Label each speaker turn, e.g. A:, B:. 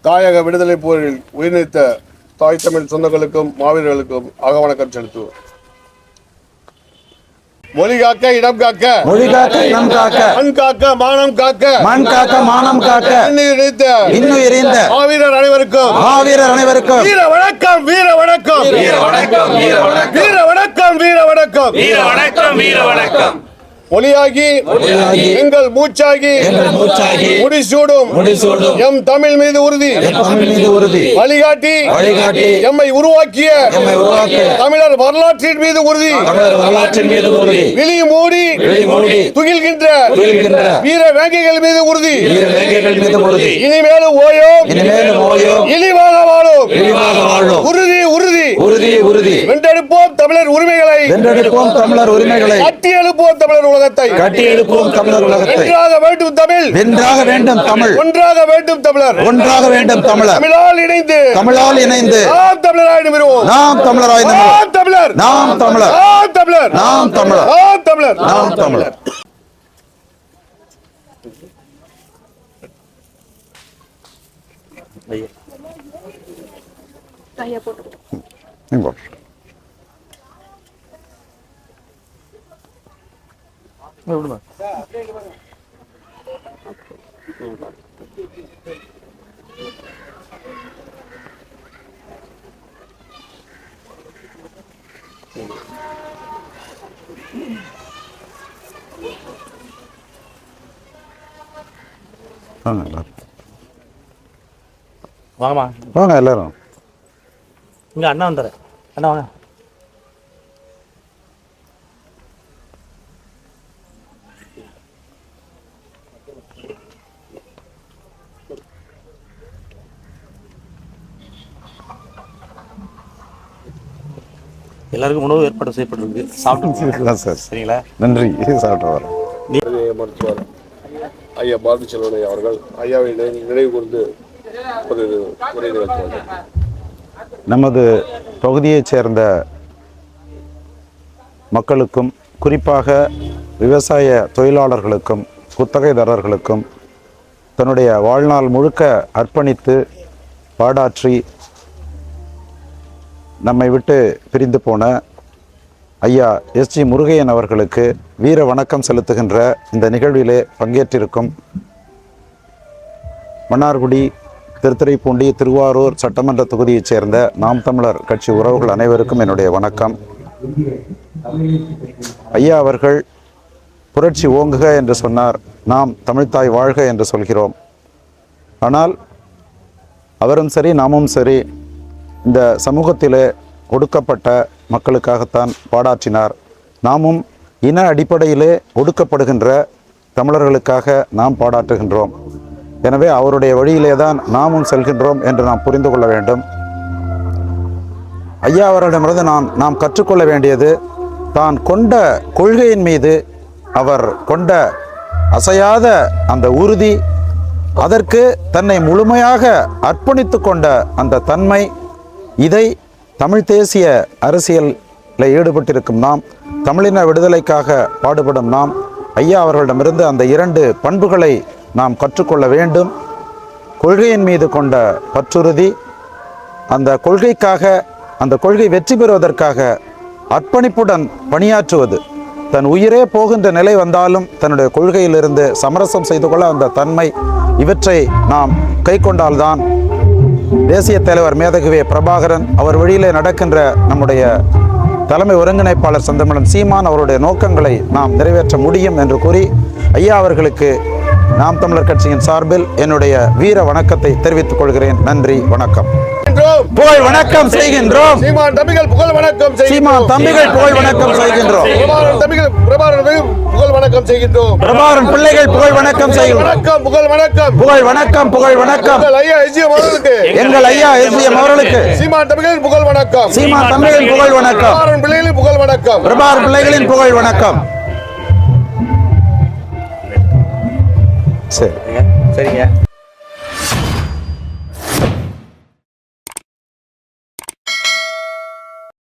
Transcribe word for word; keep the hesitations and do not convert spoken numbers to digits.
A: தாயக விடுதலை போரில் உயிர்நீத்த தாய் தமிழ் சொந்தங்களுக்கும் மாவீரர்களுக்கும் அகவணக்கம் செலுத்துவோம். மொழி காக்க இடம் காக்க
B: மொழி காக்க இடம் காக்க
A: மண் காக்க மானம் காக்க
B: மண் காக்க மானம் காக்க இன்னுயிர் ஈந்த
A: மாவீரர் அனைவருக்கும்
B: மாவீரர் அனைவருக்கும்
A: வீர வணக்கம் வீர வணக்கம்
C: வீர வணக்கம் வீர வணக்கம்
A: வீர வணக்கம் வீர வணக்கம்
C: வீர வணக்கம் வீர வணக்கம்.
A: மொழியாகி எங்கள் மூச்சாகி முடிசூடும் எம் தமிழ் மீது உறுதி
B: உறுதி
A: வழிகாட்டி
B: வழிகாட்டி
A: எம்மை உருவாக்கிய தமிழர் வரலாற்றின் மீது உறுதி
B: வரலாற்றின் மீது உறுதி
A: விழி மூடி துகில்கின்ற வீர வேங்கைகள் மீது உறுதி
B: மீது உறுதி
A: இனிமேலும் ஓயோம்
B: இனிமேலும் ஓயோம்
A: இழிவாக வாழும்
B: இழிவாக வாழும்
A: உறுதி உறுதி
B: உறுதி உறுதி
A: வென்றெடுப்போம் தமிழர் உரிமைகளை
B: வென்றெடுப்போம் தமிழர் உரிமைகளை
A: கட்டி எழுப்போம் தமிழர் உலகத்தை
B: கட்டி எழுப்போம் தமிழர் உலகத்தை
A: வென்றாக வேண்டும் தமிழ்
B: வென்றாக வேண்டும் தமிழ்
A: ஒன்றாக வேண்டும் தமிழர்
B: ஒன்றாக வேண்டும் தமிழர்
A: தமிழால் இணைந்து
B: தமிழால் இணைந்து
A: நாம் தமிழராய் நிமிருவோம்
B: நாம் தமிழராய்
A: நாம் தமிழர்
B: நாம் தமிழர்
A: நாம் தமிழர்
B: நாம் தமிழர்
A: நாம் தமிழர்
B: நாம் தமிழர்.
D: ஐயா போட்டு
B: விடுமா
E: வாங்கம்மா
B: வாங்க எல்லாரும்
E: இங்கே அண்ணா வந்துடுற அண்ணா வாங்க. எல்லாருக்கும் உணவு ஏற்பாடு செய்யப்பட்டிருக்கு. சாப்பிட்டு
B: சார்
E: சரிங்களா?
B: நன்றி. சாப்பிட்டு வரேன்.
A: மருத்துவர் ஐயா பாரதி செல்வனை அவர்கள் ஐயாவை நினைவு கூர்ந்து ஒரு உரை நிகழ்த்துவார்கள்.
B: நமது பகுதியைச் சேர்ந்த மக்களுக்கும் குறிப்பாக விவசாய தொழிலாளர்களுக்கும் குத்தகைதாரர்களுக்கும் தன்னுடைய வாழ்நாள் முழுக்க அர்ப்பணித்து பாடாற்றி நம்மை விட்டு பிரிந்து போன ஐயா எஸ் ஜி முருகையன் அவர்களுக்கு வீர வணக்கம் செலுத்துகின்ற இந்த நிகழ்விலே பங்கேற்றிருக்கும் மன்னார்குடி, திருத்துறைப்பூண்டி, திருவாரூர் சட்டமன்ற தொகுதியைச் சேர்ந்த நாம் தமிழர் கட்சி உறவுகள் அனைவருக்கும் என்னுடைய வணக்கம். ஐயா அவர்கள் புரட்சி ஓங்குக என்று சொன்னார். நாம் தமிழ்த்தாய் வாழ்க என்று சொல்கிறோம். ஆனால் அவரும் சரி நாமும் சரி இந்த சமூகத்திலே ஒடுக்கப்பட்ட மக்களுக்காகத்தான் பாடாற்றினார். நாமும் இன அடிப்படையிலே ஒடுக்கப்படுகின்ற தமிழர்களுக்காக நாம் பாடாற்றுகின்றோம். எனவே அவருடைய வழியிலே தான் நாமும் செல்கின்றோம் என்று நாம் புரிந்து கொள்ள வேண்டும். ஐயா அவரிடமிருந்து நாம் நாம் கற்றுக்கொள்ள வேண்டியது, தான் கொண்ட கொள்கையின் மீது அவர் கொண்ட அசையாத அந்த உறுதி, அதற்கு தன்னை முழுமையாக அர்ப்பணித்து கொண்ட அந்த தன்மை, இதை தமிழ் தேசிய அரசியலில் ஈடுபட்டிருக்கும் நாம், தமிழின விடுதலைக்காக பாடுபடும் நாம் ஐயா அவர்களிடமிருந்து அந்த இரண்டு பண்புகளை நாம் கற்றுக்கொள்ள வேண்டும். கொள்கையின் மீது கொண்ட பற்றுறுதி, அந்த கொள்கைக்காக, அந்த கொள்கை வெற்றி பெறுவதற்காக அர்ப்பணிப்புடன் பணியாற்றுவது, தன் உயிரே போகின்ற நிலை வந்தாலும் தன்னுடைய கொள்கையிலிருந்து சமரசம் செய்து கொள்ள அந்த தன்மை, இவற்றை நாம் கை கொண்டால்தான் தேசிய தலைவர் மேதகுவே பிரபாகரன் அவர் வழியிலே நடக்கின்ற நம்முடைய தலைமை ஒருங்கிணைப்பாளர் செந்தமிழன் சீமான் அவருடைய நோக்கங்களை நாம் நிறைவேற்ற முடியும் என்று கூறி ஐயா அவர்களுக்கு நாம் தமிழர் கட்சியின் சார்பில் என்னுடைய வீர வணக்கத்தை தெரிவித்துக் கொள்கிறேன். நன்றி, வணக்கம். புகழ் வணக்கம் செய்கின்றோம்.
A: சீமான் தம்பிகள் புகழ் வணக்கம்
B: சீமான் தம்பிகள் புகழ் வணக்கம் செய்கின்றோம்.
A: பிரபாகரன் தம்பிகள் பிரபாகரன் புகழ் வணக்கம் செய்கின்றோம்.
B: பிரபாகரன் பிள்ளைகள் புகழ் வணக்கம் செய்கின்றோம்.
A: வணக்கம் புகழ் வணக்கம்
B: புகழ் வணக்கம் புகழ் வணக்கம்
A: ஐயா எஸ்ஜிஎம் அவர்களுக்கு
B: எங்கள் ஐயா எஸ்ஜிஎம் அவர்களுக்கு
A: சீமான் தம்பிகள் புகழ் வணக்கம்.
B: சீமான் தம்பிகள் புகழ் வணக்கம்.
A: பிரபாகரன் பிள்ளைகளின் புகழ் வணக்கம்.
B: பிரபாகரன் பிள்ளைகளின் புகழ் வணக்கம். சரி
E: சரிங்க.